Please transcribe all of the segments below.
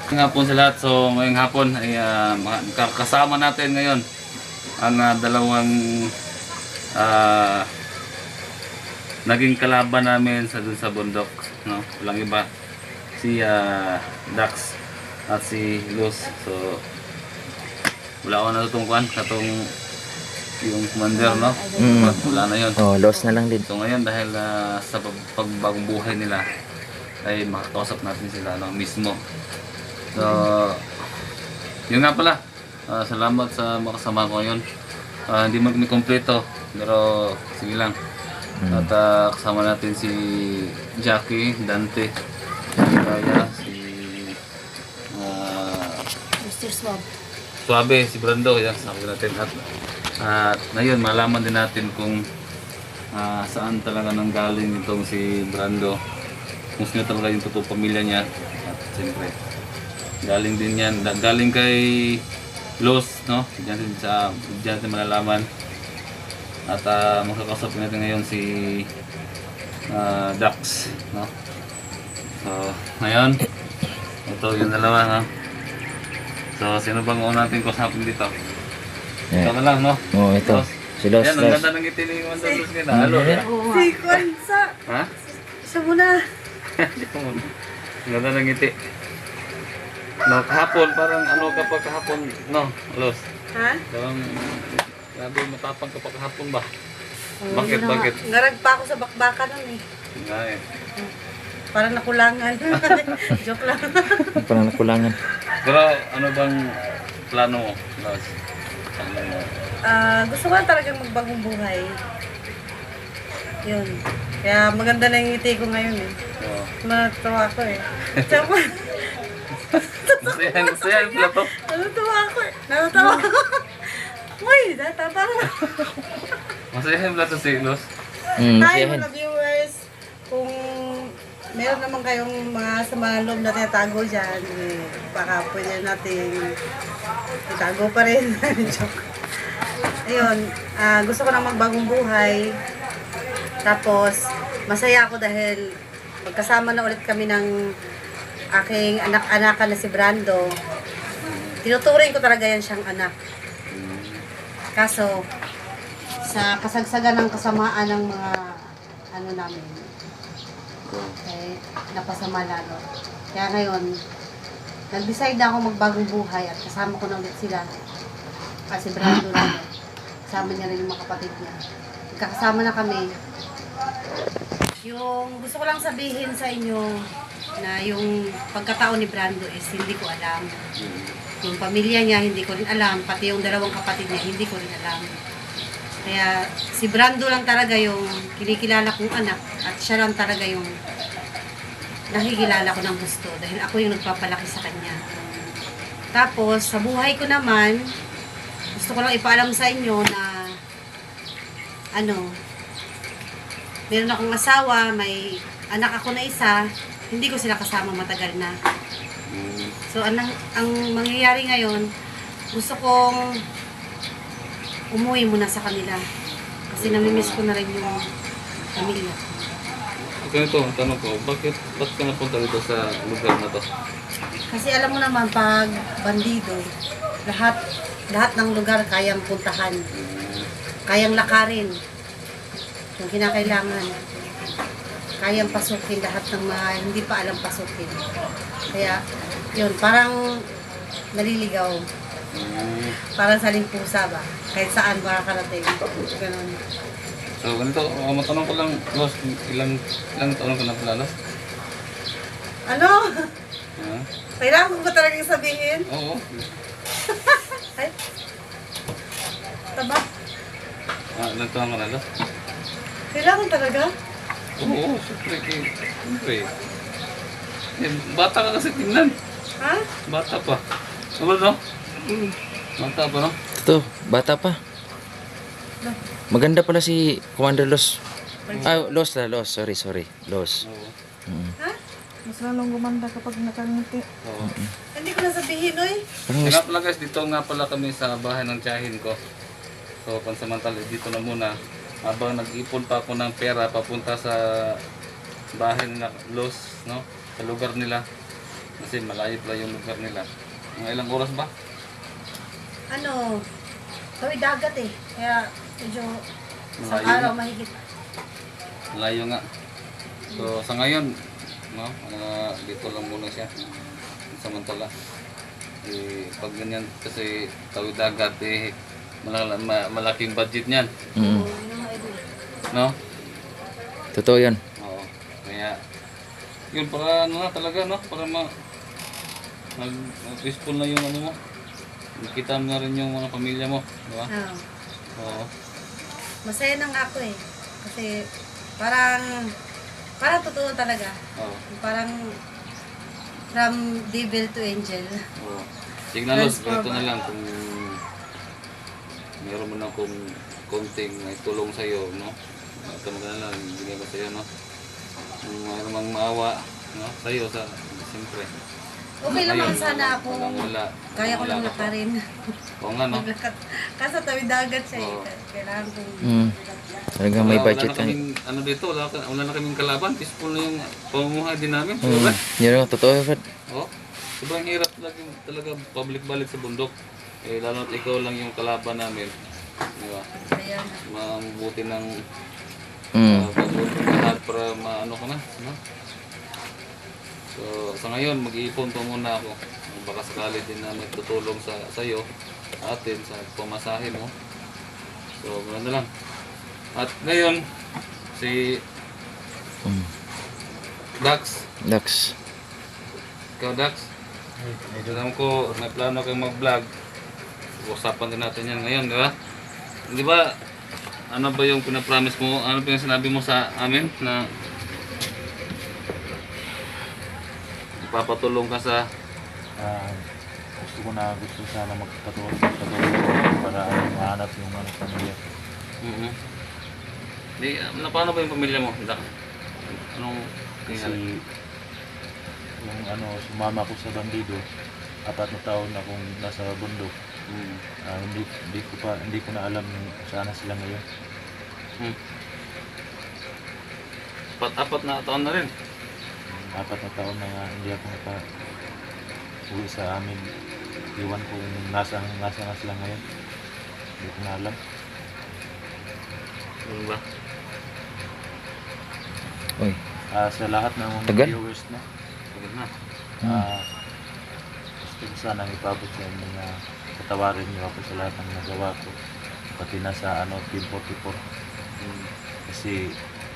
Ngayong hapon sa lahat. So ngayong hapon ay kasama natin ngayon ang dalawang naging kalaban namin sa dun sa bundok, no? Walang iba, si Dax at si Luz. So wala ko natutungkuan katong yung commander, no? Wala na yun. Oh, loss na lang din. So ngayon dahil sa pagbagong buhay nila ay makakausap natin sila mismo. So yun nga pala, salamat sa makasama ko ngayon. Hindi mo kami kompleto pero sige lang. At kasama natin si Jackie, Dante, Kaya, si Mr. Swab. Suabe, si Brando, yan, sabi natin. At ngayon, malaman din natin kung saan talaga nang galing itong si Brando. Kung sino talaga yung totoong pamilya niya. At siyempre, galing din yan. Galing kay Los, no? Diyan natin malalaman. At makakasapin natin ngayon si Dax, no? So, ngayon, ito yung dalawa, no? So, sino bang una natin kusapin dito? Ito na lang, no? Oh, ito. Los. Si Los. Yan, ang ganda ng ngiti ni Wanda Luz ngayon. Halo, Si Kwan sa... ha? Siya muna. Ang ganda ng ngiti. No, kahapon, parang ano ka pa kahapon, no, Los? Ha? Parang, grabe, matapang ka pa kahapon ba? Oh, Bakit, yun na bakit? nga. Ngarag pa ako sa bakbakan nun eh. Nga eh. Parang nakulangan. Joke lang. Parang nakulangan. Pero ano bang plano mo, Los? Ano mo? Gusto ko lang talagang magbagong buhay. Yun. Kaya maganda na yung ngiti ko ngayon eh. Oh. Natutuwa ako eh. Tsaka, Masaya yung plato. natutuwa ako eh. Natutuwa ako. Uy, natatawa. Masaya yung plato si Los. Hi Masiyahin. mga viewers. Kung meron naman kayong mga sama loob na tinatago dyan, eh, baka pwede natin itago pa rin. Joke. Ayun, gusto ko na magbagong buhay. Tapos, masaya ako dahil magkasama na ulit kami ng aking anak-anakan na si Brando. Tinuturing ko talaga yan siyang anak. Kaso, sa kasagsagan ng kasamaan ng mga ano namin, napasama lalo. Kaya ngayon, nag-decide na ako magbagong buhay at kasama ko na ulit sila. Kasi Brando na, kasama niya rin yung mga kapatid niya. Magkakasama na kami. Yung gusto ko lang sabihin sa inyo na yung pagkatao ni Brando is hindi ko alam. Yung pamilya niya hindi ko rin alam, pati yung dalawang kapatid niya hindi ko rin alam. Kaya si Brando lang talaga yung kinikilala kong anak at siya lang talaga yung nakikilala ko ng gusto dahil ako yung nagpapalaki sa kanya. Tapos sa buhay ko naman, gusto ko lang ipaalam sa inyo na meron akong asawa, may anak ako na isa, hindi ko sila kasama matagal na. So ang mangyayari ngayon, gusto kong umuwi muna sa kanila. Kasi namimiss ko na rin yung pamilya. Ganito, ang tanong ko, ba't ka napunta dito sa lugar na to? Kasi alam mo naman, pag bandido, lahat ng lugar kayang puntahan. Kayang lakarin. Kung kinakailangan. Kayang pasukin lahat ng mga hindi pa alam pasukin. Kaya, yun, parang naliligaw. Parang sa limpusa ba? Kahit saan makakarating. Ganon. So, ganito, matanong ko lang, Los, ilang taon ka na pala, Los? Ano? Ha? Kailangan ko ba talagang sabihin? Oo. Ay? Taba? Ilang taon ka na, Los? Kailangan talaga? Oo, siyempre. Bata ka kasi tingnan. Ha? Bata pa. Ano no? Bata pa, no? Ito, bata pa. Maganda pala si Commander Los. Los. Sorry. Los. Oo. Ha? Mas lalong gumanda kapag nakangiti. Oo. Hindi ko na sabihin, oy. Parang Nga pala guys, dito nga pala kami sa bahay ng tiyahin ko. So, pansamantala, dito na muna. Habang nag-ipon pa ako ng pera papunta sa bahay ng Los, no? Sa lugar nila. Kasi malayo pala yung lugar nila. Mga ilang oras ba? Ano, tawid dagat eh. Kaya medyo isang Malayo araw nga. mahigit. Malayo nga. So sa ngayon, no, dito lang muna siya. Samantala. Pag ganyan kasi tawid dagat malaking budget niyan. Mm. Oo, yun ang mga idol. No? Totoo yun. Oo. Kaya yun para ano na talaga, no? Para peaceful na yung ano mo. Nakita mo na rin yung mga pamilya mo, di ba? Oo. Oo. Masaya na nga ako eh. Kasi parang totoo talaga. Oo. Parang from devil to angel. Oo. Tignan mo, Transform. ito na lang kung meron mo na kung konting tulong sa iyo, no? Ito mo na lang, bigay ko sa iyo, no? Kung mayroon mang maawa, no? Sa iyo, siyempre. Okay naman Ngayon, sana ako. wala. Kaya ko Wala lang ka pa. lakarin. Oo nga, no? Maglakad. Kaso tawid dagat siya Oo. eh. Kailangan kong... Mm. Talagang may Wala budget na yan. kaming, ano dito, wala na kaming kalaban. Peaceful na yung pamumuhay din namin. Mm. Diba? Yun ang totoo, Fred. Oo. Sobrang hirap talaga public balik sa bundok. Eh, lalo at ikaw lang yung kalaban namin. Di ba? Kaya Mabuti ng Mm. lahat para maano ka na. No? So, sa ngayon, mag-iipon pa muna ako. Baka sakali din na may tutulong sa iyo, atin, sa pamasahe mo. So, ganoon na lang. At ngayon, si Mm. Dax. Dax. Ikaw, Dax? Alam ko, may plano kang mag-vlog. Usapan din natin yan ngayon, di ba? Di ba, ano ba yung pinapromise mo? Ano ba yung sinabi mo sa amin na ipapatulong ka sa... gusto sana magpatulong para mahanap yung ano pamilya. Di, paano ba yung pamilya mo, Dax? Anong Kasi nangyari? yung ano, sumama ko sa bandido, 4 na taon akong nasa bundok. Hmm. Hindi ko na alam kung saan na sila ngayon. Hmm. Apat na taon na rin. 4 na taon na nga hindi ako uwi sa amin. Iwan ko kung nasa na sila ngayon. Hindi ko na alam. Ano ba? Uy. Sa lahat ng mga Tagal? viewers na, Pagod na. gusto ko sanang ipabot sa inyo na patawarin niyo ako sa lahat ng nagawa ko. Pati na sa Team 44. Hmm. Kasi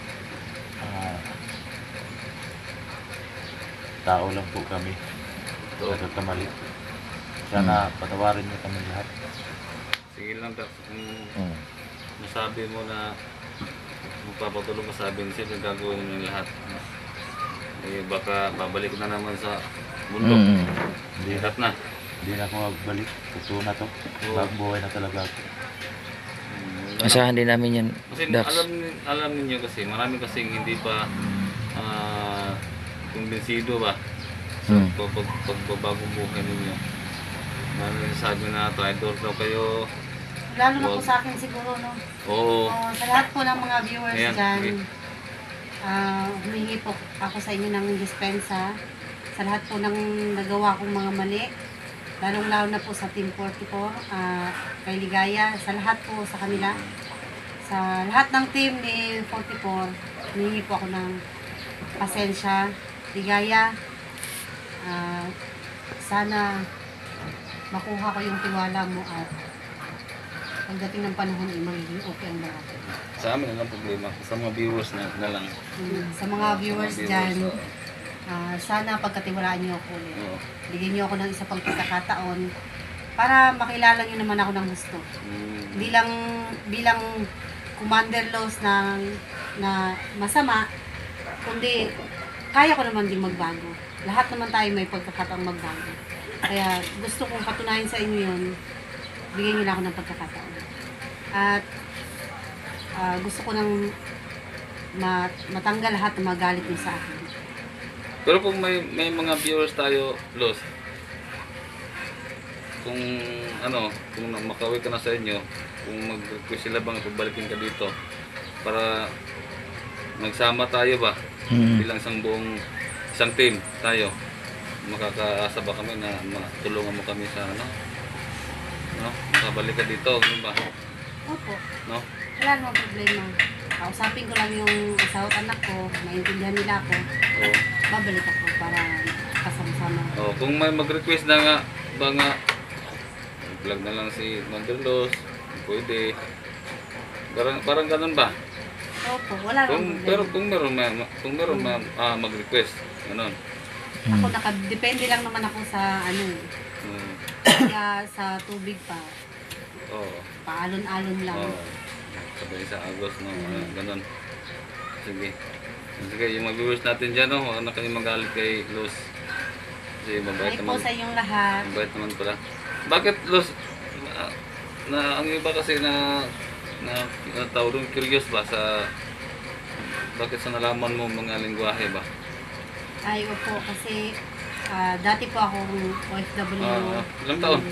tao lang po kami. So, Nagkakamali. Sana patawarin niyo kami lahat. sige lang, Dax. Kung Mm. masabi mo na magpapatulong ka sa amin, siyempre gagawin mo yung lahat. Eh, baka babalik na naman sa bundok. Mm. Hirap na. Hindi na ako magbalik. Totoo na to. Oo. Bagong buhay na talaga ako. Asahan din namin yan, Kasi Dax. alam niyo kasi, marami kasing hindi pa kumbinsido ba Mm. pagbabagong buhay ninyo. Marami sabi na traitor daw kayo. Lalo na po sa akin siguro, no? Oo. Sa lahat po ng mga viewers Ayan, dyan, okay. humingi po ako sa inyo ng dispensa. Sa lahat po ng nagawa kong mga mali, lalong-lalo na po sa Team 44, kay Ligaya, sa lahat po sa kanila. Sa lahat ng team ni 44, humingi po ako ng pasensya. Ligaya, sana makuha ko yung tiwala mo at pagdating ng panahon ay magiging okay ang lahat. Sa amin lang problema. Sa mga viewers na lang. Sa mga viewers dyan, oo. sana pagkatiwalaan niyo ako ulit. Oo. Bigyan niyo ako ng isa pang pagkakataon para makilala niyo naman ako ng gusto. Hindi lang bilang commander laws na masama, kundi kaya ko naman din magbago. Lahat naman tayo may pagkakataong magbago. Kaya gusto kong patunayan sa inyo yun, bigyan niyo lang ako ng pagkakataon. At gusto ko nang matanggal lahat ng magalit niyo sa akin. Pero kung may mga viewers tayo, Los, kung makauwi ka na sa inyo, kung mag-request sila bang pabalikin ka dito para magsama tayo ba Mm. bilang isang team tayo. makakaasa ba kami na matulungan mo kami sa ano? No? Makabalik ka dito, ano ba? Opo. No? Wala namang problema. Kausapin ko lang yung asawa at anak ko, maintindihan nila ako, Oo. babalik ako para kasama-sama. Oh, kung may mag-request na nga, ba nga, vlog na lang si Manderlos, pwede. Parang ganun ba? Opo, wala namang problema. Pero kung meron mag-request, ganun. Ako nakadepende lang naman ako sa ano eh. Hmm. Kaya sa tubig pa, Oo. paalon-alon lang. Oo. Sabay sa Agos, no? Ganun. Sige. Sige, yung mga viewers natin dyan, no? Huwag na kayo magalit kay Luz. Kasi mabait Hi po naman. sa inyong lahat. Mabait naman pala. Bakit Luz? Ang iba kasi na tawag doon, curious ba sa bakit sa nalaman mo mga lingwahe ba? Ay, opo, kasi dati po akong OFW. Ilang taon?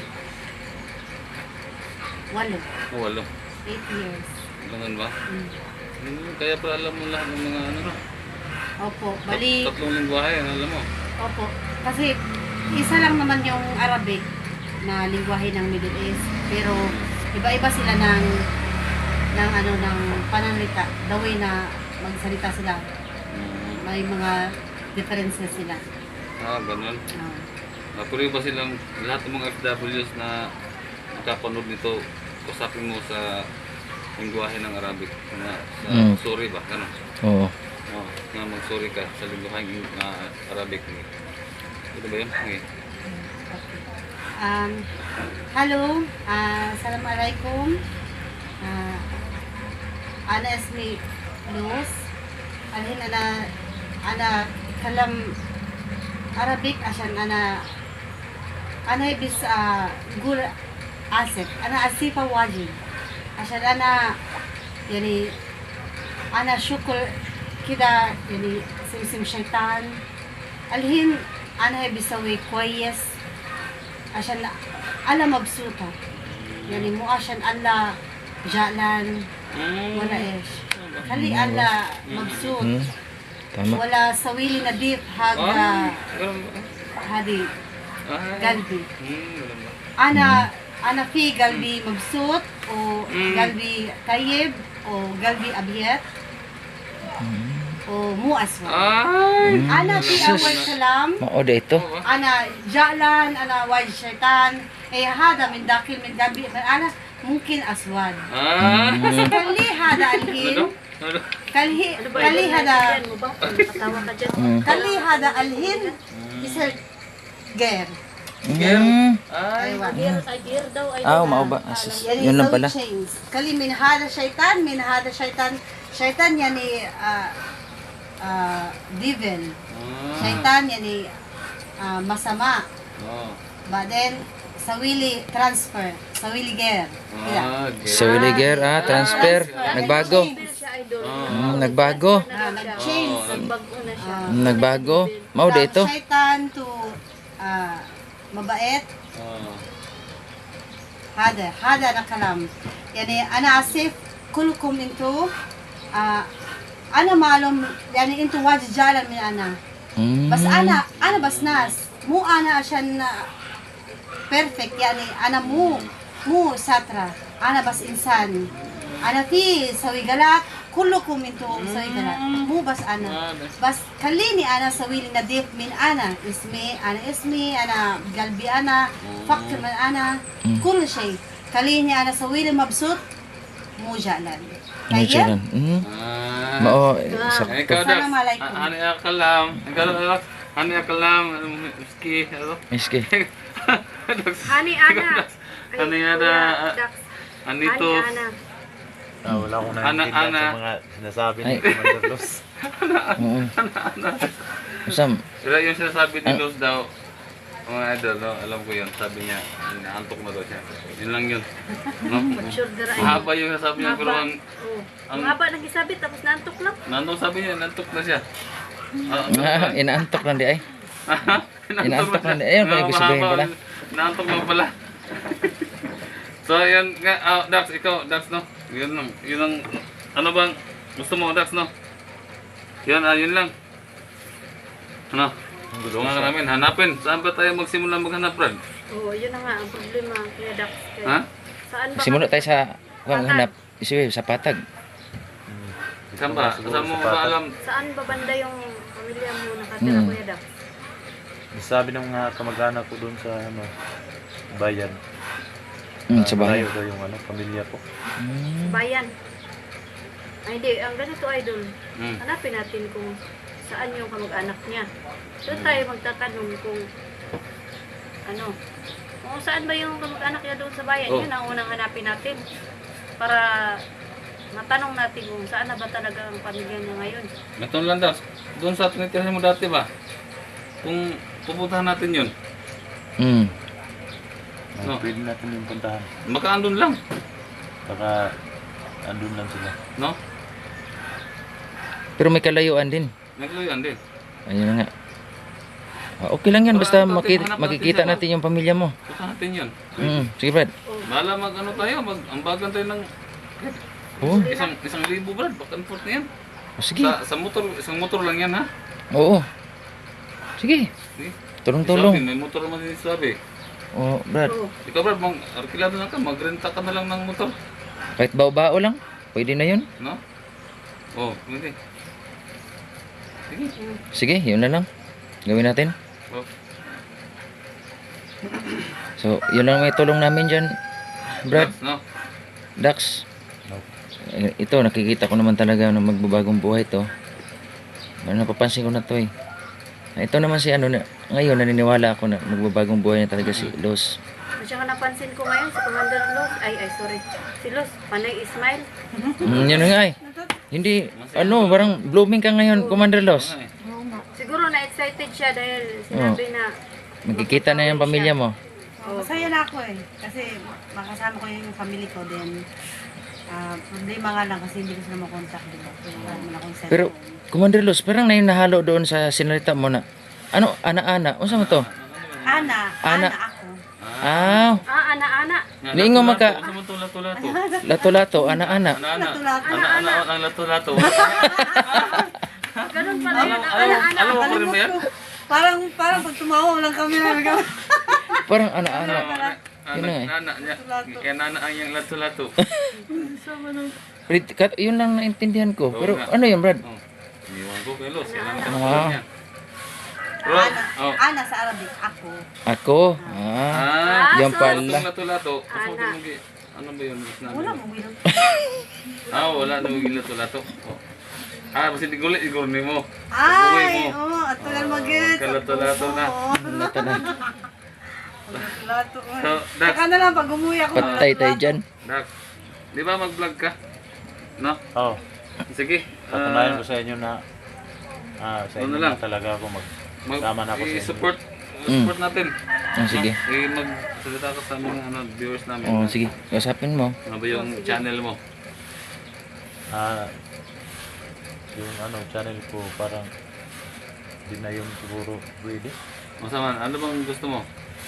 8 Walo. 8 years. Ganun ba? Mm. Kaya pala alam mo lahat ng mga ano. Opo, bali, Tatlong lingwahe, alam mo. opo, kasi isa lang naman yung Arabic na lingwahe ng Middle East, pero iba-iba sila ng pananalita, the way na magsalita sila, may mga differences sila. Ganun. Ah. Puri ba silang lahat ng mga FWs na nakapanood nito, usapin mo sa lingwahe ng Arabic na sa sorry ba? Ganun. Oo. Na mag-sorry ka sa lingwahe ng Arabic. Ito ba yun? Okay. Hello, Assalamualaikum. Ana ismi Luz. Alhin ana kalam Arabic عشان أنا بس نقول آسف أنا آسفة واجد عشان أنا يعني أنا شكر كده يعني سمسم شيطان الحين أنا بسوي كويس عشان أنا مبسوطة يعني مو عشان الله جعلان ولا إيش خلي الله مبسوط Tama. ولا سوي لي نظيف هذا هذه قلبي أنا في قلبي مبسوط وقلبي طيب وقلبي أبيض ومو أسود أنا في أول كلام Maoda ito. أنا جعلان أنا واجد شيطان هذا من داخل من قلبي أنا ممكن أسود بس خلي هذا الحين خلي هذا خلي هذا الحين يصير غير أيوة Mao ba? يعني Yun lang يسوي pala. change خلي من هذا شيطان من هذا شيطان يعني devil شيطان يعني مسامع بعدين سوي لي ترانسفير سوي لي غير كده Sa Williger, transfer. Nagbago. Nagbago. nag-change Nagbago. Maoda ito. شيطان to مبائت هذا أنا كلام يعني أنا آسف كلكم انتوا أنا معلوم يعني انتوا واجد جاهلة من أنا بس أنا بس ناس مو أنا عشان بيرفكت يعني أنا مو ساترة أنا بس إنسان أنا في سوي غلط كلكم انتوا سوي غلط مو بس أنا بس خليني أنا أسوي لي نظيف من أنا اسمي أنا قلبي أنا فكر من أنا كل شيء خليني أنا أسوي لي مبسوط مو جعلان Jalan. Mao Ikaw daw. Assalamualaikum. Ani akalam, miski, ano? Miski. Hani Ana. Ani ada, anito. Wala akong naintindihan sa mga sinasabi ni Commander Luz. Oo. Usam. Sila yung sinasabi ni Luz daw, mga idol, no? Alam ko yun, sabi niya, naantok na daw siya. Yun lang yun. No? Sure dara. Mahaba yung sabi niya, pero ang Ang haba ng isabit tapos naantok lang. nantok sabi niya, nantok na siya. Inaantok lang di ay. Inaantok lang di. Ayun kaya gusto sabihin pala. Naantok na pala. So, yun nga, Dax, ikaw, Dax, no? Yun ang, ano bang, gusto mo, Dax, no? Yun lang. Ano? Tulungan ka namin, hanapin. Saan ba tayo magsimula maghanap, Brad? Oo, yun na nga ang problema, Kuya Dax. Kaya, Ha? saan ba? Simula tayo sa hanap. Isiwe, sa patag. Saan ba? Saan mo ba alam? Saan ba banda yung pamilya mo nakatira, Kuya Dax? Sabi ng mga kamag-anak ko doon sa ano, bayan. Sa bahay. Malayo daw yung ano, pamilya ko. Bayan. Ay, hindi. Ang ganito, idol. Hmm. Hanapin natin kung saan yung kamag-anak niya. Doon tayo magtatanong kung ano, kung saan ba yung kamag-anak niya doon sa bayan. Oh. Yun ang unang hanapin natin. Para matanong natin kung saan na ba talaga ang pamilya niya ngayon. Ganito lang daw. Doon sa tinitirahan mo dati ba? Kung pupuntahan natin yun, No. Pwede natin yung puntahan. baka andun lang. Baka andun lang sila. No? Pero may kalayuan din. Nagluyan din. Ayun na nga. Okay lang yan, basta Hanap natin makikita siya, natin yung pamilya mo. Puntahan natin yun. Sige, Brad. Bala mag ano tayo, ambagan tayo ng Oo. isang libo, Brad. Back and forth na yan. Sige. Sa motor, isang motor lang yan, ha? Oo. Sige. Sige. Sabi, Tulong-tulong. may motor naman din sabi. Oo, Brad. Oo. Ikaw, Brad, arkilado na ka, magrenta ka na lang ng motor. Kahit bao-bao lang. Pwede na yun. No? Oh, pwede. Sige. Sige, yun na lang. Gawin natin. Oh. So, yun lang may tulong namin dyan. Brad, No? Dax. No. Ito, nakikita ko naman talaga na magbabagong buhay to. Napapansin ko na to eh. Ito naman si ano, ngayon naniniwala ako na magbabagong buhay na talaga si Los. At saka napansin ko ngayon si Commander Los, sorry, si Los, panay Ismail. Yun na nga eh. Hindi, ano, parang blooming ka ngayon, Commander Los. Okay. Siguro na-excited siya dahil sinabi na Magkikita na yung pamilya mo. Masaya na ako eh. Kasi makasama ko yung family ko din. Problema nga lang kasi hindi ko sila makontak, di ba? Kaya wala naman akong cellphone. Pero, Commander Los, parang na yung nahalo doon sa sinalita mo na, ano, ana-ana, o saan mo to? Ana Ana. ako. ana-ana. Niingo maka- Sa mo lato-lato. Lato-lato, ana-ana. Ana-ana. Lato-lato. Ana-ana ang lato-lato. Ganun pala yun, Alam ana-ana. mo pa rin ba yan? Parang pag tumawa lang kami na Parang ana-ana. Yun na eh. Nana niya. Kaya nana ang yung lato-lato. Yun lang naintindihan ko. Pero ano yun, Brad? Oh. Iniwan ko kay Los. Yan ang Ah. lato niya. Ros. Oh. Ana sa Arabic, ako. Ako? Yan Itong pala. lato-lato. Ana. Ano ba yun? Wala mo wilong. Wala na maging lato-lato. Oh. Basta gulit, igurni mo. Ay, at tagal mag-get. Kalato-lato na. Lato na. Lato. So, Dax, Saka na lang pag umuwi ako. Patay tayo dyan. Dax, di ba mag-vlog ka? No? Oh, Sige. patunayan ko sa inyo na sa Ano inyo lang? na talaga ako Tama na ako sa inyo. support natin. Sige. Magsalita ka sa mga viewers namin. Sige. Usapin mo. Ano ba yung channel mo? Yung channel ko parang di na yung siguro pwede. Masaman, ano bang gusto mo?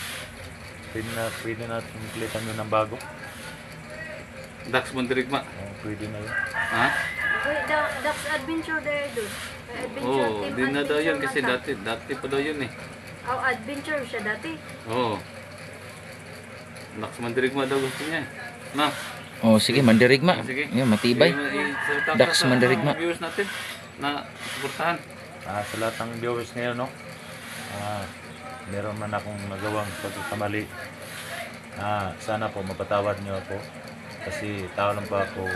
Pwede natin pilitan yun ng bago. Dax Monterigma. Pwede na yun. Ha? Wait, Dax Adventure there, dude. Adventure Oo, team. di na daw yun kasi Adventure dati pa daw yun eh. adventure siya dati. Oo. Dax Monterigma daw gusto niya eh. Na? Sige, mandirigma. Sige. Yan, matibay. Salita ka Dax sa Monterigma. mga viewers natin na suportahan. Sa lahat ng viewers ngayon, no? Meron man akong nagawang pagkakamali. Sana po mapatawad niyo ako kasi tao lang pa ako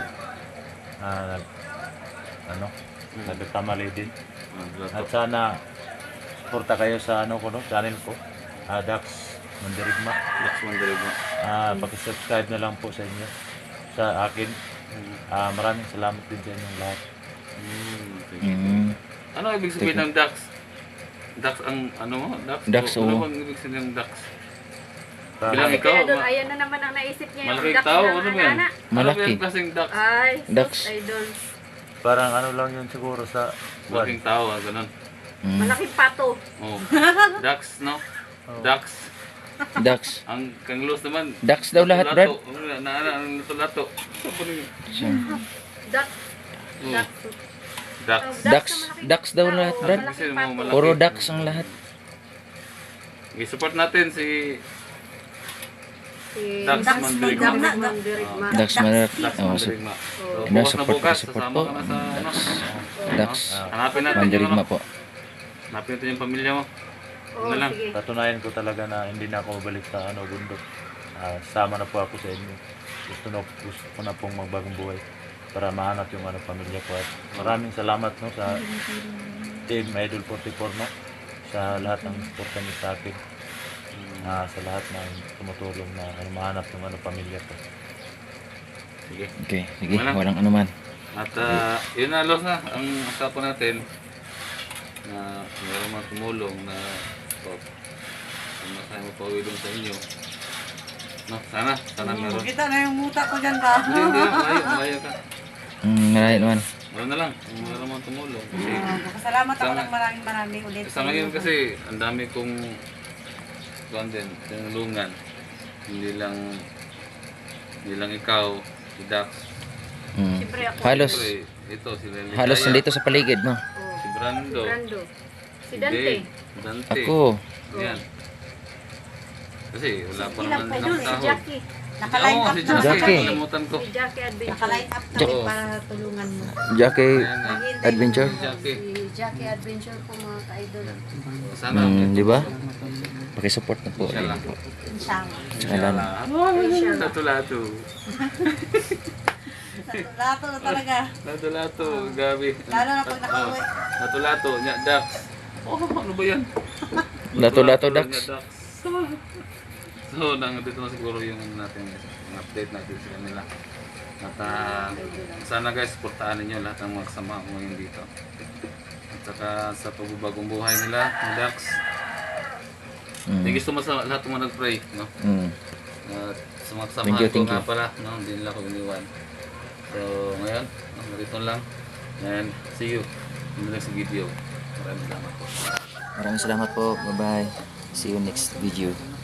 nagkamali din. At sana suporta kayo sa channel ko, Dax Monterigma. Dax Monterigma. Paki-subscribe na lang po sa inyo, sa akin. Maraming salamat din sa inyong lahat. Sige. Ano ibig sabihin ng Dax? Dax ang ano mo? Dax? Dax, Ano oo. bang ibig sabihin ng Dax? Para- Bilang ikaw, Kaya doon, ayan na naman ang naisip niya. malaking Dax tao, ng ano ba yan? ana-ana. Ano ba Malaki. yung klaseng Dax? Ay, Dax. idol. Parang lang yun siguro sa Malaking tao, ganun. Malaking pato. Oh. Dax, no? Dax. Dax. Ang Kanglos naman. Dax daw lahat, Brad. Ang lato-lato. Dax. Oh. Dax. Dax. Dax. Dax daw lahat, Brad. Kasi mo malaki. Puro Dax ang lahat. I-support natin si Si Dax Mandirigma. Mandirigma. Dax Marak. Dax Oh, so, Mandirigma. So, Ano, bukas na support bukas, support sasama po. ka na sa ano. Dax Hanapin natin yung Mandirigma ano. po. Hanapin natin yung pamilya mo. Oo, Ano lang. sige. Patunayan ko talaga na hindi na ako balik sa bundok. Sama na po ako sa inyo. Gusto ko na pong magbagong buhay para mahanap yung pamilya ko. At maraming salamat no sa Team Idol 44 no sa lahat ng suporta niyo sa akin. Sa lahat ng tumutulong na mahanap yung pamilya ko. Sige. Okay, sige, Wala. walang anuman. At yun na, Los na. Ang usapan natin na meron mga tumulong na masaya mo pauwi doon sa inyo. No, sana meron. Kita na yung muta ko dyan ba? Hindi, malayo ka. Marami naman. Wala na lang, kung meron mga tumulong. Kasi Salamat ako Sana- ng maraming ulit. sa ngayon kasi, ang dami kong tinulungan. Hindi lang ikaw, si Dax. Siyempre ako. Halos, Siyempre, ito, si Lelitaya. halos nandito sa paligid mo. Oo. Si Brando. Brando. Si si Dante. Dave, Dante. Ako. Yan. Kasi wala pa Ilang naman pa ng doon, si sahod. Jackie. Nakaline Oo, up si na. Jackie. Jackie. Kalimutan ko. Si Jackie Adventure. Nakaline up na Oo. para tulungan mo. Jackie Ayan nga. Adventure. Si Jackie. Si Jackie Adventure po mga ka-idol. Sana. Di ba? Pakisupport na po. Inshallah. Inshallah. Inshallah. Lato-lato. Lato na talaga. Lato-lato. Gabi. Lalo na pag nakauwi. Lato-lato. Nya, Dax. Oh, ano ba yan? Lato-lato, Dax. Nya, So, dito na siguro yung natin, yung update natin sa kanila. At sana guys, supportahan ninyo lahat ng mga kasama ko ngayon dito. At saka sa pagbabagong buhay nila, ni Dax. Thank you so much sa lahat ng mga nag-pray. No? At sa mga kasama Thank you, ko thank nga you. pala, no? Hindi nila ako iniwan. So, ngayon, narito lang. And see you in the next video. Maraming salamat po. Maraming salamat po. Bye-bye. See you next video.